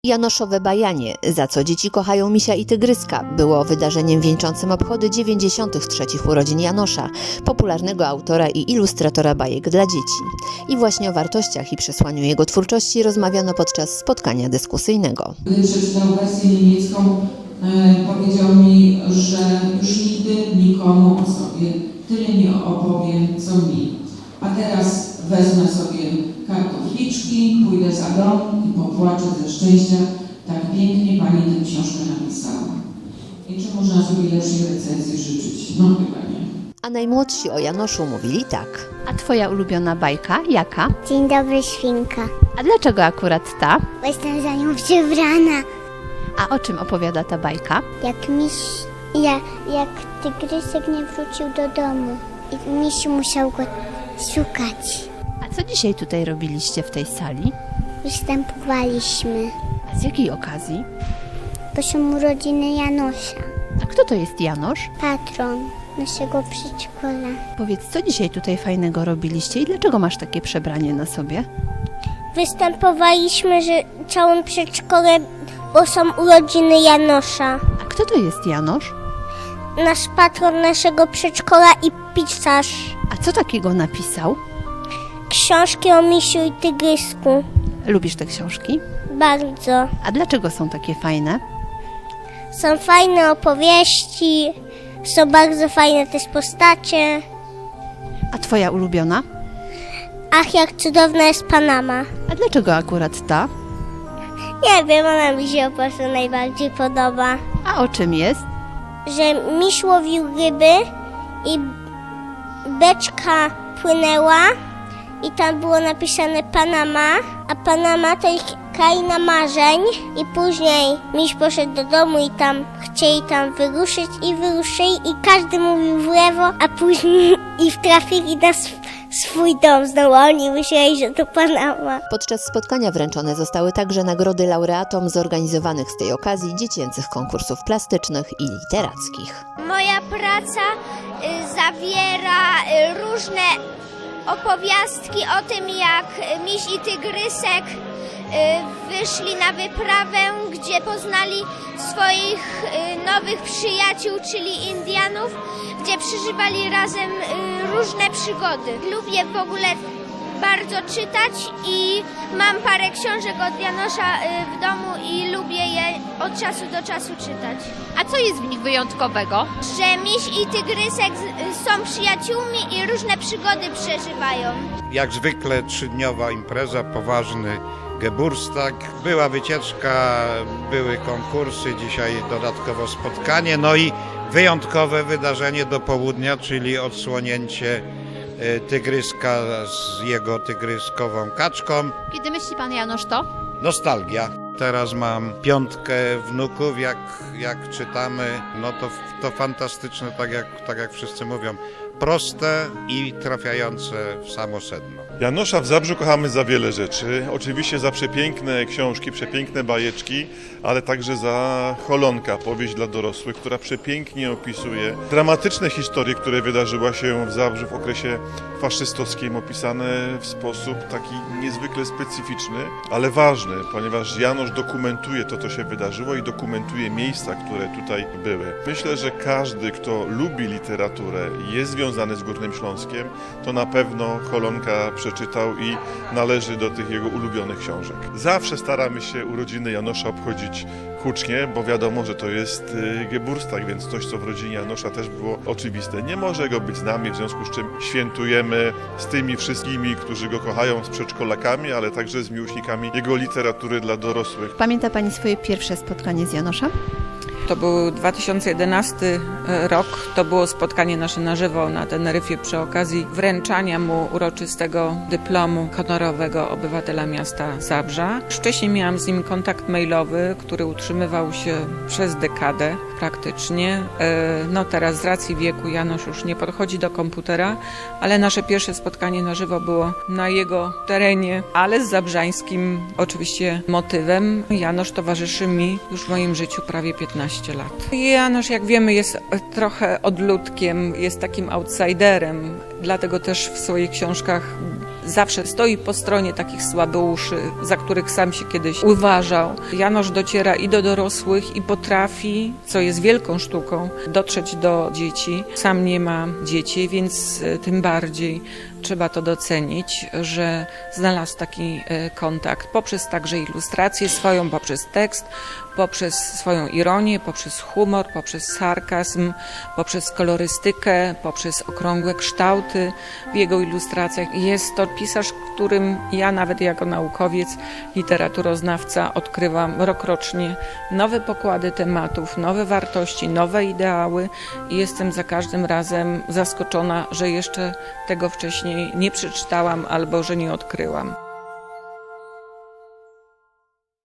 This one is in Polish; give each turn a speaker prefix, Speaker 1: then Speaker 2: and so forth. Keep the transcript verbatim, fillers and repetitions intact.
Speaker 1: Janoszowe bajanie, za co dzieci kochają misia i tygryska, było wydarzeniem wieńczącym obchody dziewięćdziesiątych trzecich urodzin Janosza, popularnego autora i ilustratora bajek dla dzieci. I właśnie o wartościach i przesłaniu jego twórczości rozmawiano podczas spotkania dyskusyjnego.
Speaker 2: Gdy przeczytał wersję niemiecką, e, powiedział mi, że już nigdy nikomu o sobie tyle nie opowiem, co mi. A teraz wezmę sobie kartofliczki, pójdę za dom i popłaczę ze szczęścia. Tak pięknie Pani tę książkę napisała. I czy można sobie lepszej recenzji życzyć? No chyba nie.
Speaker 1: A najmłodsi o Janoszu mówili tak.
Speaker 3: A twoja ulubiona bajka jaka?
Speaker 4: Dzień dobry, świnka.
Speaker 3: A dlaczego akurat ta?
Speaker 4: Bo jestem za nią przebrana.
Speaker 3: A o czym opowiada ta bajka?
Speaker 4: Jak miś, ja, jak tygrysek nie wrócił do domu i miś musiał go szukać.
Speaker 3: A co dzisiaj tutaj robiliście w tej sali?
Speaker 4: Występowaliśmy,
Speaker 3: A z jakiej okazji?
Speaker 4: bo są urodziny Janosza,
Speaker 3: A kto to jest Janosz?
Speaker 4: patron naszego przedszkola.
Speaker 3: Powiedz, co dzisiaj tutaj fajnego robiliście i dlaczego masz takie przebranie na sobie?
Speaker 4: Występowaliśmy, że całym przedszkole, bo są urodziny Janosza.
Speaker 3: A kto to jest Janosz?
Speaker 4: Nasz patron naszego przedszkola i pisarz.
Speaker 3: A co takiego napisał?
Speaker 4: Książki o misiu i tygrysku.
Speaker 3: Lubisz te książki?
Speaker 4: Bardzo.
Speaker 3: A dlaczego są takie fajne?
Speaker 4: Są fajne opowieści, są bardzo fajne też postacie.
Speaker 3: A twoja ulubiona?
Speaker 4: Ach, jak cudowna jest Panama.
Speaker 3: A dlaczego akurat ta?
Speaker 4: Nie wiem, ona mi się po prostu najbardziej podoba.
Speaker 3: A o czym jest?
Speaker 4: Że miś łowił ryby i beczka płynęła i tam było napisane Panama, a Panama to ich kraina marzeń i później miś poszedł do domu i tam chcieli tam wyruszyć i wyruszyli i każdy mówił w lewo, a później i trafili na sw- swój dom znowu, a oni myśleli, że to Panama.
Speaker 1: Podczas spotkania wręczone zostały także nagrody laureatom zorganizowanych z tej okazji dziecięcych konkursów plastycznych i literackich.
Speaker 5: Moja praca y, zawiera y, różne opowiastki o tym, jak miś i tygrysek y, wyszli na wyprawę, gdzie poznali swoich y, nowych przyjaciół, czyli Indianów, gdzie przeżywali razem y, różne przygody. Lubię w ogóle bardzo czytać i mam parę książek od Janosza y, w domu i lubię je od czasu do czasu czytać.
Speaker 3: A co jest w nich wyjątkowego?
Speaker 5: Że miś i tygrysek z- są przyjaciółmi i różne przygody przeżywają.
Speaker 6: Jak zwykle trzydniowa impreza, poważny Geburtstag. Była wycieczka, były konkursy, dzisiaj dodatkowo spotkanie, no i wyjątkowe wydarzenie do południa, czyli odsłonięcie e, tygryska z jego tygryskową kaczką.
Speaker 3: Kiedy myśli pan Janosz to?
Speaker 6: Nostalgia. Teraz mam piątkę wnuków, jak, jak czytamy, no to, to fantastyczne, tak jak, tak jak wszyscy mówią, proste i trafiające w samo sedno.
Speaker 7: Janosza w Zabrzu kochamy za wiele rzeczy. Oczywiście za przepiękne książki, przepiękne bajeczki, ale także za Holonka, powieść dla dorosłych, która przepięknie opisuje dramatyczne historie, które wydarzyły się w Zabrzu w okresie faszystowskim, opisane w sposób taki niezwykle specyficzny, ale ważny, ponieważ Janosz dokumentuje to, co się wydarzyło i dokumentuje miejsca, które tutaj były. Myślę, że każdy, kto lubi literaturę i jest związany z Górnym Śląskiem, to na pewno Holonka przeczytał i należy do tych jego ulubionych książek. Zawsze staramy się urodziny Janosza obchodzić hucznie, bo wiadomo, że to jest Geburtstag, więc coś, co w rodzinie Janosza też było oczywiste. Nie może go być z nami, w związku z czym świętujemy z tymi wszystkimi, którzy go kochają, z przedszkolakami, ale także z miłośnikami jego literatury dla dorosłych.
Speaker 3: Pamięta pani swoje pierwsze spotkanie z Janoszem?
Speaker 8: To był dwa tysiące jedenasty rok, to było spotkanie nasze na żywo na Teneryfie przy okazji wręczania mu uroczystego dyplomu honorowego obywatela miasta Zabrza. Wcześniej miałam z nim kontakt mailowy, który utrzymywał się przez dekadę praktycznie. No teraz z racji wieku Janusz już nie podchodzi do komputera, ale nasze pierwsze spotkanie na żywo było na jego terenie, ale z zabrzańskim oczywiście motywem. Janusz towarzyszy mi już w moim życiu prawie piętnaście lat. Janusz, jak wiemy, jest trochę odludkiem, jest takim outsiderem, dlatego też w swoich książkach zawsze stoi po stronie takich słabeuszy, za których sam się kiedyś uważał. Janosz dociera i do dorosłych i potrafi, co jest wielką sztuką, dotrzeć do dzieci. Sam nie ma dzieci, więc tym bardziej trzeba to docenić, że znalazł taki kontakt poprzez także ilustrację swoją, poprzez tekst, poprzez swoją ironię, poprzez humor, poprzez sarkazm, poprzez kolorystykę, poprzez okrągłe kształty w jego ilustracjach. Jest to pisarz, którym ja nawet jako naukowiec, literaturoznawca odkrywam rokrocznie nowe pokłady tematów, nowe wartości, nowe ideały i jestem za każdym razem zaskoczona, że jeszcze tego wcześniej nie przeczytałam albo że nie odkryłam.